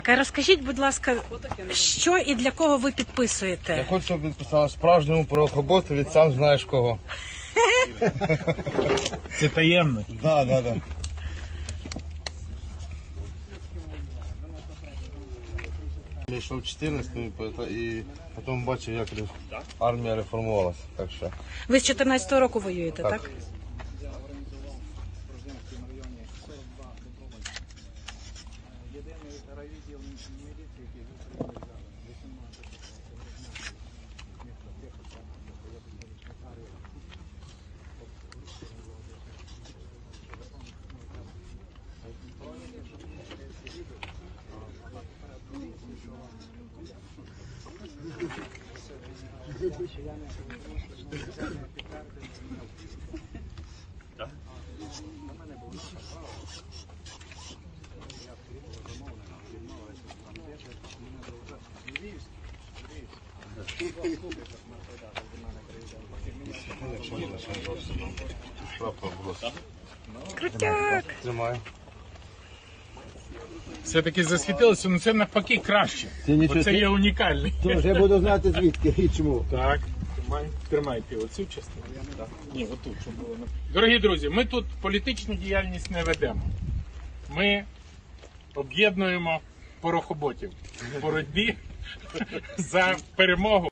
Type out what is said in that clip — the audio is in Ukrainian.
Розкажіть, будь ласка, що і для кого ви підписуєте? Я хочу, щоб підписала справжньому порохоботу від сам знаєш кого. Це таємно. Да. Я йшов в 14-му і потім бачив, як армія реформувалася. Так що. Ви з 14-го року воюєте, так? Крутяк! Тримаю. Все-таки засвітилося, але це навпаки краще. Оце є унікальний. Тож я буду знати звідки і чому. Так, тримайте оцю частину. Ні, отут, щоб було. Дорогі друзі, ми тут політичну діяльність не ведемо. Ми об'єднуємо порохоботів в боротьбі за перемогу.